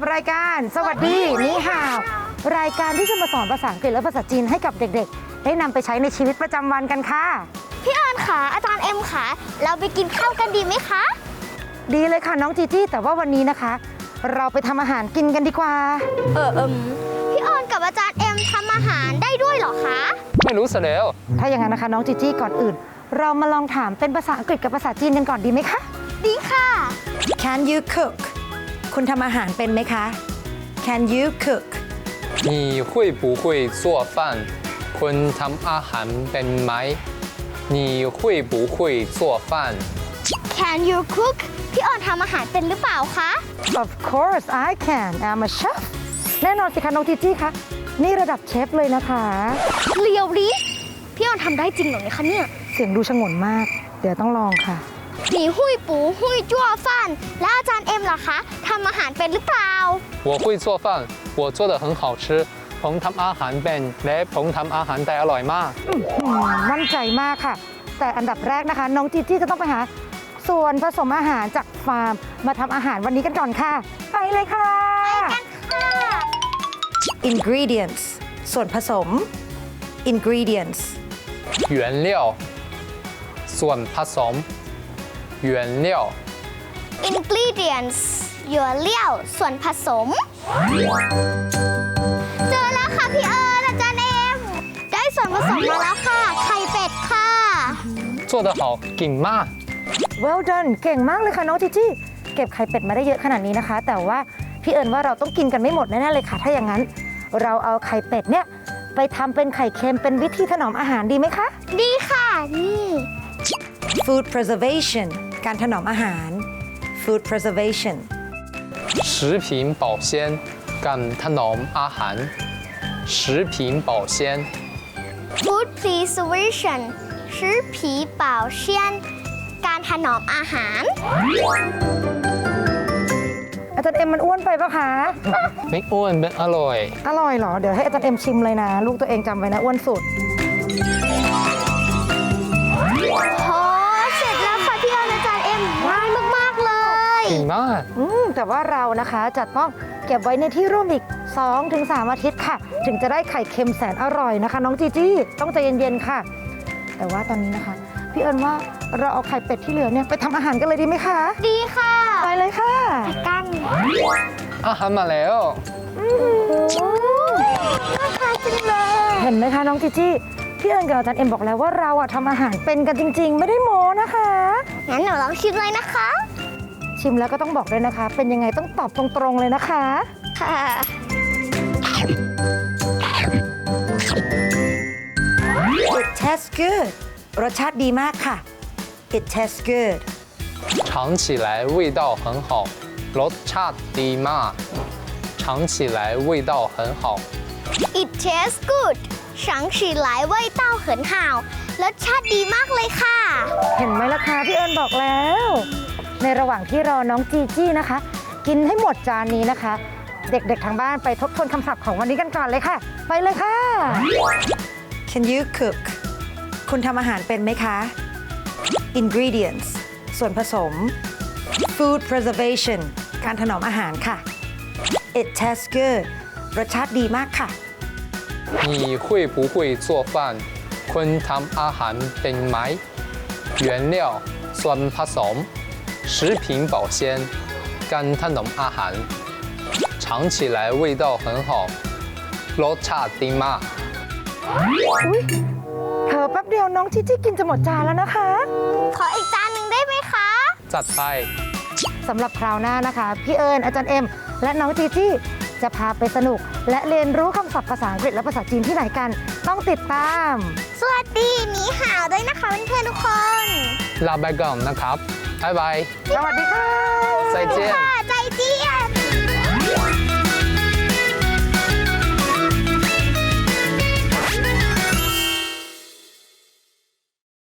รายการสวัสดีนี่ฮาวรายการที่จะมาสอนภาษาอังกฤษและภาษาจีนให้กับเด็กๆได้นำไปใช้ในชีวิตประจำวันกันค่ะพี่ออนค่ะอาจารย์เอ็มค่ะเราไปกินข้าวกันดีไหมคะดีเลยค่ะน้องจีจี้แต่ว่าวันนี้นะคะ เราไปทำอาหารกินกันดีกว่าพี่ออนกับอาจารย์เอ็มทำอาหารได้ด้วยเหรอคะไม่รู้ซะแล้วถ้าอย่างนั้นนะคะน้องจีจี้ก่อนอื่นเรามาลองถามเป็นภาษาอังกฤษกับภาษาจีนกันก่อนดีไหมคะดีค่ะ Can you cook คุณทำอาหารเป็นไหมคะ Can you cook 你会不会做饭คุณทำอาหารเป็นไหม你会不会做饭 Can you cook พี่ออนทำอาหารเป็นหรือเปล่าคะ Of course I can I'm a chef แน่นอนสิคะน้องจีจี้คะนี่ระดับเชฟเลยนะคะเรียวดิพี่ออนทำได้จริงเหรอเนี่ยคะเนี่ยเสียงดูฉงนมากเดี๋ยวต้องลองค่ะหนีหุยปูหุยจั่วฟันแล้วอาจารย์เอ็มล่ะคะทำอาหารเป็นหรือเปล่า我会做饭我做得很好吃ผมทำอาหารเป็นและผมทำอาหารได้อร่อยมากมั่นใจมากค่ะแต่อันดับแรกนะคะน้องจีจี้จะต้องไปหาส่วนผสมอาหารจากฟาร์มมาทำอาหารวันนี้กันก่อนค่ะไปเลยค่ะ Ingredients ส่วนผสม Ingredients 原料ส่วนผสม原料 Ingredients หยวนเลี่ยวส่วนผสมเจอแล้วค่ะพี่เอิญอาจารย์เอ็มได้ส่วนผสมมาแล้วค่ะไข่เป็ดค่ะ做得好เก่งมาก Well done เก่งมากเลยค่ะน้องจีจี้เก็บไข่เป็ดมาได้เยอะขนาดนี้นะคะแต่ว่าพี่เอิญว่าเราต้องกินกันไม่หมดแน่ๆเลยค่ะถ้าอย่างนั้นเราเอาไข่เป็ดเนี่ยไปทำเป็นไข่เค็มเป็นวิธีถนอมอาหารดีไหมคะดีค่ะนี่ Food preservation การถนอมอาหาร Food preservation 食品保鲜การถนอมอาหาร食品保鲜 Food preservation 食品保鲜การถนอมอาหารอาจารย์เอ็มมันอ้วนไปปะคะไม่อ้วนเป็นอร่อยอร่อยเหรอเดี๋ยวให้อาจารย์เอ็มชิมเลยนะลูกตัวเองจำไว้นะอ้วนสุดโอ้เสร็จแล้วค่ะพี่ออนอาจารย์เอ็มง่ายมากๆเลยเก่งมากแต่ว่าเรานะคะจะต้องเก็บไว้ในที่ร่มอีก 2-3 อาทิตย์ค่ะถึงจะได้ไข่เค็มแสนอร่อยนะคะน้องจีจี้ต้องใจเย็นๆค่ะแต่ว่าตอนนี้นะคะพี่เอิญว่าเราเอาไข่เป็ดที่เหลือเนี่ยไปทำอาหารกันเลยดีไหมคะดีค่ะไปเลยค่ะกันอาหารมาแล้วน่าทานจังเลยเห็นไหมคะน้องจีจี้พี่เอิญกับอาจารย์เอ็มบอกแล้วว่าเราอะทำอาหารเป็นกันจริงๆไม่ได้โม้นะคะงั้นหนูลองชิมเลยนะคะชิมแล้วก็ต้องบอกด้วยนะคะเป็นยังไงต้องตอบตรงๆเลยนะคะค่ะ It tastes good รสชาติดีมากค่ะ It tastes good 尝起来味道很好รสชาติดีมาก尝起来味道很好 It tastes good 尝起来味道很好รสชาติดีมากเลยค่ะเห็นไหมล่ะคะพี่เอิญบอกแล้วในระหว่างที่รอน้องจีจี้นะคะกินให้หมดจานนี้นะคะเด็กๆทางบ้านไปทบทวนคำศัพท์ของวันนี้กันก่อนเลยค่ะไปเลยค่ะ Can you cook คุณทำอาหารเป็นไหมคะ Ingredients ส่วนผสม Food preservation การถนอมอาหารค่ะ It tastes good รสชาติดีมากค่ะ你会不会做饭คุณทำอาหารเป็นไหม原料ส่วนผสม食品保鲜การถนอมอาหาร尝起来味道很好รสชาติดีมากเธอแป๊บเดียวน้องจีจี้กินจะหมดจานแล้วนะคะขออีกจานหนึ่งได้ไหมคะจัดไปสำหรับคราวหน้านะคะพี่เอิญอาจารย์เอ็มและน้องจีจี้จะพาไปสนุกและเรียนรู้คำศัพท์ภาษาอังกฤษและภาษาจีนที่ไหนกันต้องติดตามสวัสดีหนีห่าวด้วยนะคะเพื่อนๆทุกคนลาไปก่อนนะครับบ๊ายบายสวัสดีค่ะ再见再见